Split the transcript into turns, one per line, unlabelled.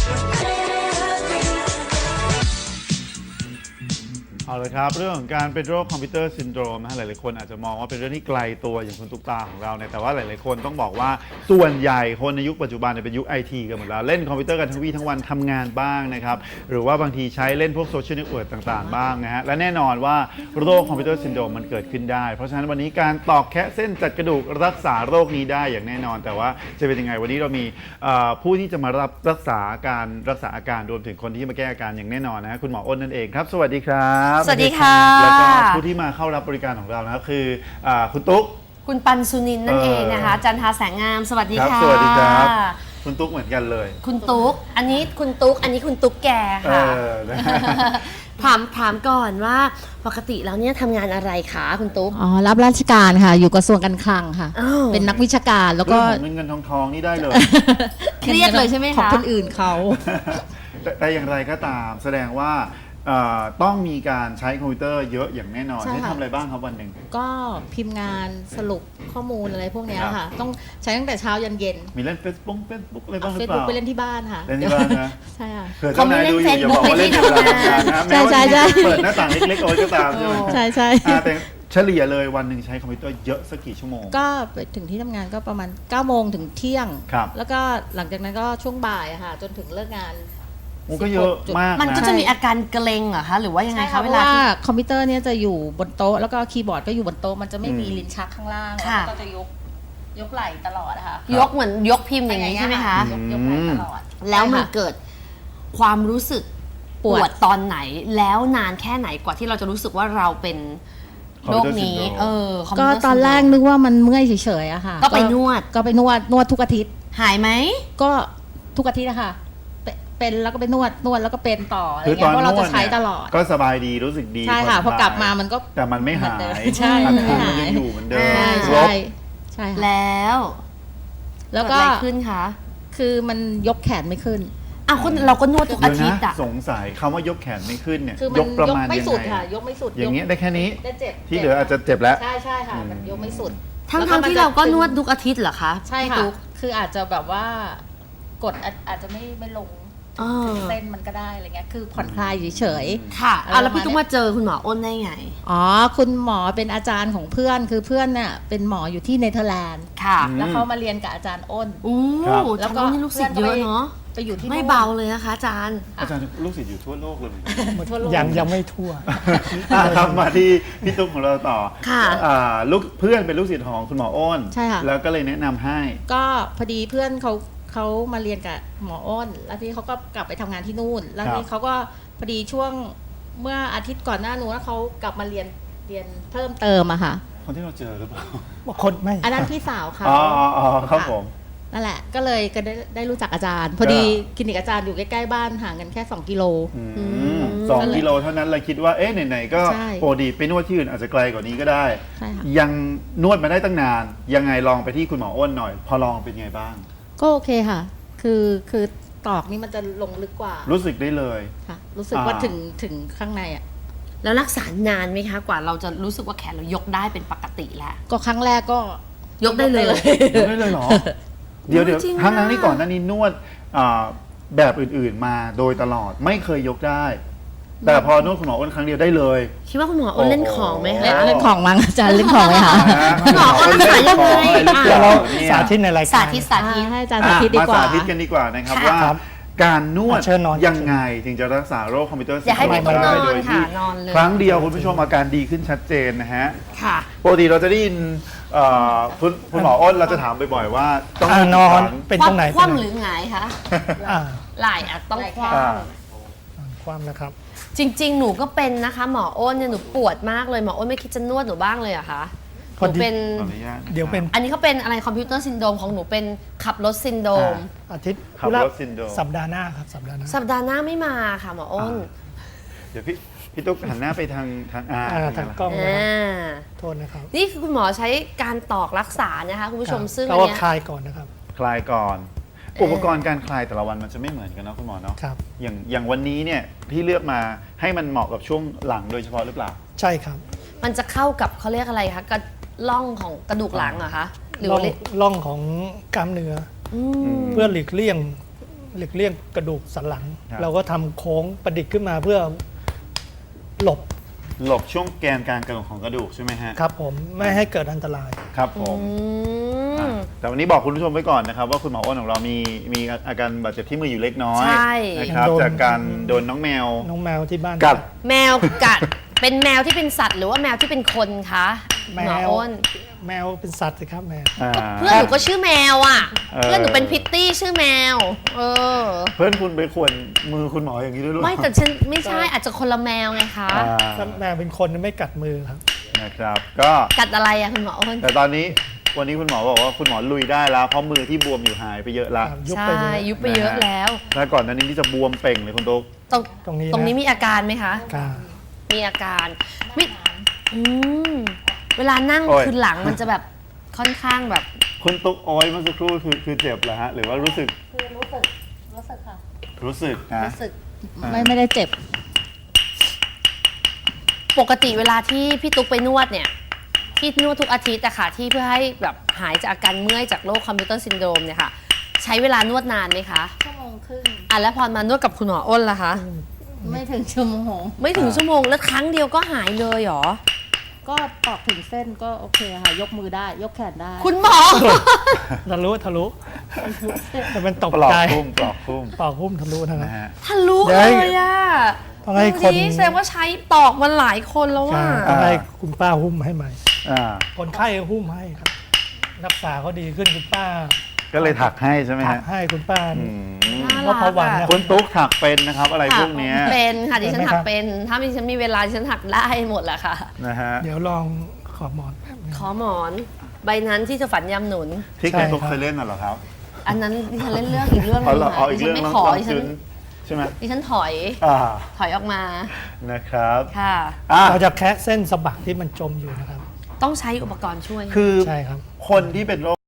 เอาเลยครับเรื่องของการเป็นโรคคอมพิวเตอร์ซินโดรมนะหลายๆคนอาจจะมองว่าเป็นเรื่องที่ไกลตัวอย่างคุณตุ๊กตาของเราเนี่ยแต่ว่าหลายๆคนต้องบอกว่าส่วนใหญ่คนในยุคปัจจุบันเป็นยุคไอทีกันหมดแล้วเล่นคอมพิวเตอร์กันทั้งวี่ทั้งวันทำงานบ้างนะครับหรือว่าบางทีใช้เล่นพวกโซเชียลเน็ตเวิร์กต่างๆบ้างนะฮะและแน่นอนว่าโรคคอมพิวเตอร์ซินโดรมมันเกิดขึ้นได้เพราะฉะนั้นวันนี้การตอกแคะเส้นจัดกระดูกรักษาโรคนี้ได้อย่างแน่นอนแต่ว่าจะเป็นยังไงวันนี้เรามีผู้ที่จะมารับรักษาอาการรวมถึงคนที่มาแก้อาการอย่างแน่นอนนะฮะคุณหมออ้นนั่นเองครับสวัสดีครับ
สวัสดีค่ะ
แล้วก็ผู้ที่มาเข้ารับบริการของเรานะครับคือคุณตุ๊ก
คุณปันสุนินนั่นเองนะคะจันทาแสงงามสวัสดีค่ะ
สวัสดีครับคุณตุ๊กเหมือนกันเลย
คุณตุ๊กอันนี้คุณตุ๊กอันนี้คุณตุ๊กแกค่ะถามก่อนว่าปกติแล้วเนี่ยทำงานอะไรคะคุณตุ๊ก
อ๋อรับราชการค่ะอยู่กระทรวงการคลังค่ะเป็นนักวิชาการแล้วก็
เงินทองนี่ได้เลย
เครียดเลยใช่ไหมคะ
ของคนอื่นเขา
แต่อย่างไรก็ตามแสดงว่าต้องมีการใช้คอมพิวเตอร์เยอะอย่างแน่นอนให้ทำอะไรบ้างครับวันหนึ่ง
ก็พิมพ์งานสรุปข้อมูลอะไรพวกนี้ค่ะต้องใช้ตั้งแต่เช้ายันเย็น
มีเล่น Facebook อะไรบ้างหรือเปล่า
ไปเล่นที่บ้านค่ะ
เล่นที่บ้านนะ
ใช่ค่ะ
เผื่อเจ้านายดูอยู่อย่าบอกว่าเล่นที่ทำงานนะแม้ว่าเปิดหน้าต่างเล็กๆเอาไว้ก็ตามใช่ไหม
ใช่
แต่เฉลี่ยเลยวันหนึ่งใช้คอมพิวเตอร์เยอะสักกี่ชั่วโมง
ก็ไปถึงที่ทำงานก็ประมาณ9 โมงถึงเที่ยงแล้วก็หลังจากนั้นก็ช่วงบ่ายค่ะจนถึงเลิกงาน
มันก็เยอะมาก
มันก็จะมีอาการเกร็งเหรอคะหรือว่ายังไงคะเวลา
ที่คอมพิวเตอร์เนี่ยจะอยู่บนโต๊ะแล้วก็คีย์บอร์ดก็อยู่บนโต๊ะมันจะไม่มีลิ้นชักข้างล่างแล้วก็จะยกไหล่ตลอดนะคะ
ยกเหมือนยกพิมพ์อย่างนี้ใช่ไหมคะ
ยกไหล่ตลอด
แล้วมันเกิดความรู้สึกปวดตอนไหนแล้วนานแค่ไหนกว่าที่เราจะรู้สึกว่าเราเป็นโรคนี้
ก็ตอนแรกนึกว่ามันเมื่อยเฉยๆอะค่ะ
ก็ไปนว
ดทุกอาทิตย์
หายไหม
ก็ทุกอาทิตย์นะคะเป็นแล้วก็ไปนวดแล้วก็เป็นต่ออะไรเงี้ยเพราะเราจะใช้ตลอด
ก็สบายดีรู้สึกดี
ใช่ค่ะพอกลับมามันก็
แต่มันไม่หาย
ใช่
มันยังอยู่เหมือนเดิม
ใช่
แล้วก็อะไรขึ้นคะ
คือมันยกแขนไม่ขึ้น
คนเราก็นวดทุกอาทิตย์อะ
สงสัยคำว่ายกแขนไม่ขึ้นเนี่ย
ยกประมาณยังไงยกไม่สุด
อย่างเงี้ยได้แค่นี้
ได้เจ็บ
ที่เหลืออาจจะเจ็บแล้ว
ใช่ค่ะมันยกไม่สุด
ทั้งที่เราก็นวดทุกอาทิตย์เหรอคะ
ใช่ค่ะคืออาจจะแบบว่ากดอาจจะไม่ลงเส้นมันก็ได้อะไรเงี้ยคือผ่อนคลายเฉย
ๆค่ะแล้วพี่ตุ๊กมาเจอคุณหมออ้นได้ไง
คุณหมอเป็นอาจารย์ของเพื่อนคือเพื่อนเนี่ยเป็นหมออยู่ที่เนเธอร์แลนด์
ค่ะ
แล้วเขามาเรียนกับอาจารย์อ้น
แล้วก็ลูกศิษย์เยอะเนาะ
ไปอยู่ที่
ไม่เบาเลยนะคะอาจารย์
ลูกศิษย์อยู่ทั่วโลกเลย
ยังไม่ทั่ว
ครับมาที่พี่ตุ๊กของเราต่อ
ค่ะ
ลูกเพื่อนเป็นลูกศิษย์ของคุณหมออ้น
ใช่ค่ะ
แล้วก็เลยแนะนำให้
ก็พอดีเพื่อนเขามาเรียนกับหมออ้นแล้วที่เขาก็กลับไปทำงานที่นู่นแล้วที่เขาก็พอดีช่วงเมื่ออาทิตย์ก่อนหน้านู้นแล้วเขากลับมาเรียนเพิ่มเติมอะค่ะ
คนที่เราเจอหรือเปล่า
คนไม่
อันนั้นพี่สาวเขา
ครับผม
นั่นแหละก็เลยก็ได้รู้จักอาจารย์พอดีคลินิกอาจารย์อยู่ใกล้ๆบ้านห่างกันแค่2 กิโล
2 กิโลเท่านั้นเลยคิดว่าไหนๆก็ปกติไปนวดที่อื่นอาจจะไกลกว่านี้ก็ได้ยังนวดมาได้ตั้งนานยังไงลองไปที่คุณหมออ้นหน่อยพอลองเป็นไงบ้าง
ก็โอเคค่ะคือตอกนี่มันจะลงลึกกว่า
รู้สึกได้เลย
ค่ะรู้สึกว่าถึงข้างในอ่ะ
แล้วรักษานานไหมคะกว่าเราจะรู้สึกว่าแขนเรายกได้เป็นปกติแล้ว
ก็ครั้งแรกก็
ยกได้เลย
ยกได้เลยเหรอเดี๋ยวทั้งนี้ก่อนหน้านี้นวดแบบอื่นๆมาโดยตลอดไม่เคยยกได้แต่พอนวดคุณหมออ้นครั้งเดียวได้เลย
คิดว่าคุณหมออ้นเล่นของไหมคะ
เล่นของมั้งอาจารย์เล่นของไหมคะ
คุณหมออ้นรักษายังไง
เราสาธิตในรายการ
สาธิต
ให้อาจารย์สาธิตดีกว่า
มาสาธิตกันดีกว่านะครับว่าการนวดยังไงถึงจะรักษาโรคคอมพิวเตอร์ซินโดรมได้โดยที่ครั้งเดียวคุณผู้ชมอาการดีขึ้นชัดเจนนะฮะปกติเราจะได้ยินคุณหมออ้นเราจะถามบ่อยๆว่า
ต้องนอนเป็นตรงไหน
คว่ำหรือหงายคะไหล่ต้องค
ว่ำนะครับ
จริงๆหนูก็เป็นนะคะหมออ้นเนี่ยหนูปวดมากเลยหมออ้นไม่คิดจะนวดหนูบ้างเลยอะคะหนูเป็น
เดี๋ยวเป็น
อันนี้เขาเป็นอะไรคอมพิวเตอร์ซินโดรมของหนูเป็นขับรถซินโดรม
อาทิตย์
ขับรถซินโดรม
สัปดาห์หน้าครับสัปดาห์ห
น้าไม่มาค่ะหมออ้น
เดี๋ยวพี่ตุ๊กหันหน้าไปทาง
กล้องโทษนะครับ
นี่คือคุณหมอใช้การตอกรักษานะคะคุณผู้ชมซึ่ง
อันนี้คลายก่อนนะครับ
คลายก่อนอุปกรณ์การคลายแต่ละวันมันจะไม่เหมือนกันเนาะคุณหมอเนาะอย่างวันนี้เนี่ยพี่เลือกมาให้มันเหมาะกับช่วงหลังโดยเฉพาะหรือเปล่า
ใช่ครับ
มันจะเข้ากับเขาเรียกอะไรคะกระล่องของกระดูกหลังเหรอคะหรือ
ล่องของกล้ามเนื้อเพื่อหลีกเลี่ยงหลีกเลี่ยงกระดูกสันหลัง
ครับ
เราก็ทำโค้งประดิษฐ์ขึ้นมาเพื่อหลบ
หลบช่วงแกนกลางของกระดูกใช่ไหมฮะ
ครับผมไม่ให้เกิดอันตราย
ครับผม
อืม
แต่วันนี้บอกคุณผู้ชมไว้ก่อนนะครับว่าคุณหมออ้นของเรามีอาการบาดเจ็บที่มืออยู่เล็กน้อย
ใช่
นะครับ
โดน
จากการโดนน้องแมว
น้องแมวที่บ้าน
กัด
แมวกัด เป็นแมวที่เป็นสัตว์หรือว่าแมวที่เป็นคนคะ
แม
หมอ
ว
อ้น
แมวเป็นสัตว์สิครับแมว
เพื่อนหนูก็ชื่อแมวอ่ะ
เออ
เพื่อนหนูเป็นพิตตี้ชื่อแมว เออ
เพื่อนคุณไปข่วนมือคุณหมออย่างนี้ด้วยหรือเป
ไม่
ล่า
แต่ฉันไม่ใช่อาจจะคนละแมวไงคะ
อ่า
ถ้าแมวเป็นคนไม่กัดมือครับ
นะครับ ก็
กัดอะไรอะคุณหมออ้น
แต่ตอนนี้วันนี้คุณหมอบอกว่าคุณหมอลุยได้แล้วเพราะมือที่บวมอยู่หายไปเยอะละ
ยุบ
ใช่
ไปเยอะ
ยุบไปเยอะแล้ว
ถ้าก่อนหนั้นนี้จะบวมเป่งเลยคุณตุ๊ก
ตรง
ตรงนี้
ตรงนี้
นะ
มีอาการไหมคะ
กา
มีอาการไม่อืมเวลานั่ง
โอ้ย
คือหลังมันจะแบบค่อนข้างแบบ
คุณตุ๊กโอ้ยเมื่อสักครู่คือเจ็บเหรอฮะหรือว่ารู้สึก
คือรู้สึกค่ะ
รู้สึกนะ
รู้สึก
อ่า
ไม่ได้เจ็บ
ปกติเวลาที่พี่ตุ๊กไปนวดเนี่ยที่นวดทุกอาทิตย์อะค่ะที่เพื่อให้แบบหายจากอาการเมื่อยจากโรคคอมพิวเตอร์ซินโดรมเนี่ยค่ะใช้เวลานวดนานไหมคะ
ชั่วโมงครึ่ง
อ่ะแล้วพอมานวดกับคุณหมออ้นล่ะคะ
ไม่ถึงชั่วโมง
ไม่ถึงชั่วโมงแล้วครั้งเดียวก็หายเลยเหรอ
ก็ตอกถึงเส้นก็โอเคค่ะ ยกมือได้ ยกแขนได้
คุณหมอ
ทะลุแต่มันตก
ปลอก
ใจ
พุ่มปลอกพุ่ม
ปอกหุ้มทะลุนะครั
นะ
บ
ฮะ
ทะลุ
เดี๋
เลย
วย
อะ
ต้องให้คน
ดูดิแสดงว่าใช้ตอกมาหลายคนแล้ว
ใช่
ว่า
ต้องให้คุณป้าหุ้มให้ใหม่
อ่า
คนไข้หุ้มให้ครับ รักษาเขาดีขึ้นคุณป้า
ก็เลยถักให้ใช่ไหม
ถัก
ฮะ
ให้คุณป้า
อืม
น่า
เพราะ
รั
พอก วัน
อะ
เนี่ย
คุณตุ๊กถักเป็นนะครับ อะไรพวกเนี้ย
เป็นค่ะดิฉัน
เป็นไหม
ถั
ค
ก
รับ
เป็น ถ้าดิฉันมีเวลาดิฉันถักได้หมดแหละค่ะ
นะฮะ
เดี๋ยวลองขอบหมอนแป๊บนึง
ขอหมอนใบนั้นที่จะฝันยำหนุน
ที่คุณตุ๊ก
ใช่ครับ
เคยเล่นน่ะเหรอครับ
อันนั้นดิฉันเล่นเรื่องอีกเรื่องหนึ
เอา
ง
เหรอเอา
ค่ะ
อี
ดิ
ก
ฉั
เรื่อน ง
ไม่
น้อง
ขอ
น้อง
ดิฉั
จุ
น
นใช่ไหม
ดิฉันถอย
อ่า
ถอยออกมา
นะครับ
ค่ะ
อ่ะ
เราจะแคะเส้นสะบักที่มันจมอยู่นะครับ
ต้องใช้อุปกรณ์ช่วย
คือ
ใช่ครับ
คนที่เป็นโรค